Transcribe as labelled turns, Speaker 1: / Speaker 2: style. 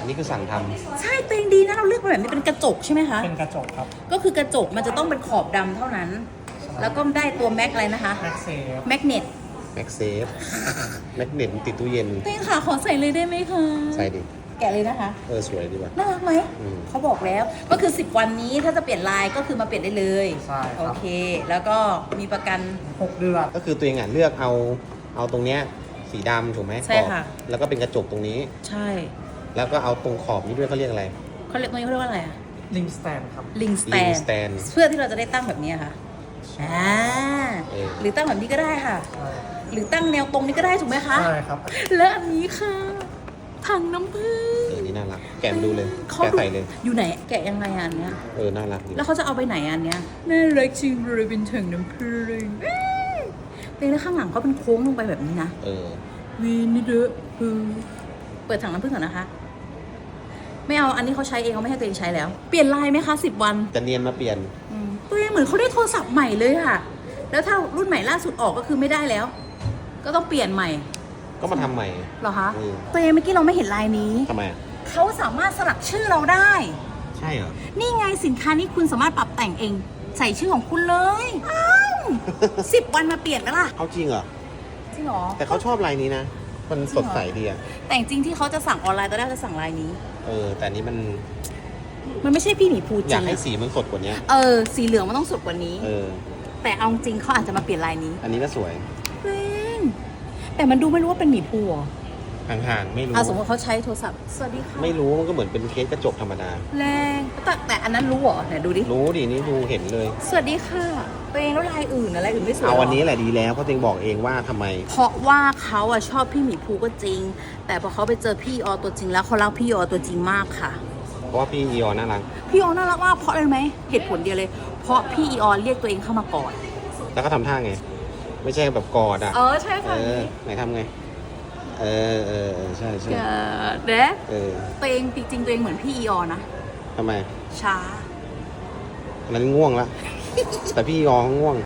Speaker 1: นนี้คือสั่งทำ
Speaker 2: ใช่ตัวเองดีนะเราเลือกมาแบบนี้เป็นกระจกใช่ไหมคะ
Speaker 3: เป็นกระจกครับ
Speaker 2: ก็คือกระจกมันจะต้องเป็นขอบดำเท่านั้น แล้วก็ได้ตัวแม็กอะไรนะคะ
Speaker 3: แม็กเซฟ
Speaker 2: แมกเนต
Speaker 1: แม็กเซฟ แม็กเนตติดตู้เย็น
Speaker 2: ตัวเองค่ะขอใส่เลยได้ไหมคะ
Speaker 1: ใส่ดิ
Speaker 2: แกะเลยนะคะ
Speaker 1: สวยดีว่ะ
Speaker 2: น่ารักไหม
Speaker 1: อืม
Speaker 2: เขาบอกแล้วก็คือ10วันนี้ถ้าจะเปลี่ยนลายก็คือมาเปลี่ยนได้เลย
Speaker 3: ใช่ครับ
Speaker 2: โอเค แล้วก็มีประกัน
Speaker 3: 6 เดือน
Speaker 1: ก็คือตัวเองเลือกเอาตรงเนี้ยสีดำถูกไหม
Speaker 2: ใช่ค่ะ
Speaker 1: ขอบแล้วก็เป็นกระจกตรงนี้
Speaker 2: ใช่
Speaker 1: แล้วก็เอาตรงขอบนี้ด้วยเขาเรียกอะไร
Speaker 2: เขาเรียกตรงนี้เขาเรียกว่าอะไรอะ
Speaker 3: ลิงสแตนครับ
Speaker 2: ลิงสแต
Speaker 1: Ring
Speaker 2: น
Speaker 1: stand
Speaker 2: เพื่อที่เราจะได้ตั้งแบบนี้ค่ะหรือตั้งแบบนี้ก็ได้ค่ะ
Speaker 3: ใช่
Speaker 2: หรือตั้งแนวตรงนี้ก็ได้ถูกไหมคะ
Speaker 3: ใช่ครับ
Speaker 2: และอันนี้ค่ะถังน้ำผึ้ง
Speaker 1: นี่น่ารัก แกะมาดูเลย
Speaker 2: เขา
Speaker 1: แกะใส่เลย
Speaker 2: อยู่ไหนแกะยังไงอันเนี้ย
Speaker 1: น่ารักดี
Speaker 2: แล้วเขาจะเอาไปไหนอันเนี้ยน่ารักจริงเลยเป็นถังน้ำผึ้งเป็นแล้วข้างหลังเขาเป็นโค้งลงไปแบบนี้นะ วีนิเดอเปิดถังน้ำผึ้งก่อนนะคะ ไม่เอาอันนี้เขาใช้เองเขาไม่ให้ตัวเองใช้แล้ว เปลี่ยนลายไหมคะ10 วัน
Speaker 1: จะเนียนมาเปลี่ยน
Speaker 2: ตัวเองเหมือนเขาได้โทรศัพท์ใหม่เลยค่ะ แล้วถ้ารุ่นใหม่ล่าสุดออกก็คือไม่ได้แล้ว ก็ต้องเปลี่ยนใหม่
Speaker 1: ก็มาทำใหม่
Speaker 2: เหรอคะ
Speaker 1: อืม
Speaker 2: ตัวเองเมื่อกี้เราไม่เห็นลายนี้
Speaker 1: ทำไมอะ
Speaker 2: เขาสามารถสลักชื่อเราได้
Speaker 1: ใช่เหรอ
Speaker 2: นี่ไงสินค้านี้คุณสามารถปรับแต่งเอง ใส่ชื่อของคุณเลยอ้าว10 วันมาเปลี่ยนไหมล่ะ
Speaker 1: เอาจริงเหรอ
Speaker 2: จริงเหรอ
Speaker 1: แต่เขาชอบลายนี้นะ มันสดใสดีอะ
Speaker 2: แต่จริงๆที่เขาจะสั่งออนไลน์ตอนแรกจะสั่งลายนี้
Speaker 1: แต่อันนี้มัน
Speaker 2: มันไม่ใช่พี่หมีภูจ
Speaker 1: อ
Speaker 2: ริ
Speaker 1: ยาก
Speaker 2: ง
Speaker 1: ให้
Speaker 2: อะ
Speaker 1: สีมันสดกว่านี้
Speaker 2: สีเหลืองมันต้องสดกว่านี้ แต่เอาจริงเขาอาจจะมาเปลี่ยนลายนี้
Speaker 1: อันนี้ก็สวย
Speaker 2: เว้นแต่มันดูไม่รู้ว่าเป็นหมีภูเหรอ
Speaker 1: ห่างๆไม่รู้
Speaker 2: สมมติเขาใช้โทรศัพท์สวัสดีค่ะ
Speaker 1: ไม่รู้มันก็เหมือนเป็นเคสกระจกธรรมดา
Speaker 2: แรงแต่อันนั้นรู้เหรอไหนดูดิ
Speaker 1: รู้ดินี่ดูเห็นเลย
Speaker 2: สวัสดีค่ะตัวเองแล้วลายอื่นอะไรอื่นไม่สวยหร
Speaker 1: เอาวันนี้แหละดีแล้วเพราะตัวเองบอกเองว่าทำไม
Speaker 2: เพราะว่าเขาอะชอบพี่หมีภูก็จริง แต่พอเขาไปเจอพี่ออตัวจริงแล้วเขารักพี่ออตัวจริงมากค่ะ
Speaker 1: เพราะว่าพี่อีออนน่ารัก
Speaker 2: พี่ออน่ารักมากเพราะอะไรรู้ไหมเหตุผลเดียวเลย เพราะพี่ออเรียกตัวเองเข้ามากอด
Speaker 1: แล้วก็ทำท่าไง ไม่ใช่แบบกอดอ่ะ
Speaker 2: ใช่ค่ะ
Speaker 1: ไหนทำไง ใช่ใช่
Speaker 2: เด็ก
Speaker 1: เออ
Speaker 2: ตัวเองจริงๆตัวเองเหมือนพี่ออนะ
Speaker 1: ทำไม
Speaker 2: ช้า
Speaker 1: อันนั้นง่วงละ แต่พี่อีออนเขาง่วง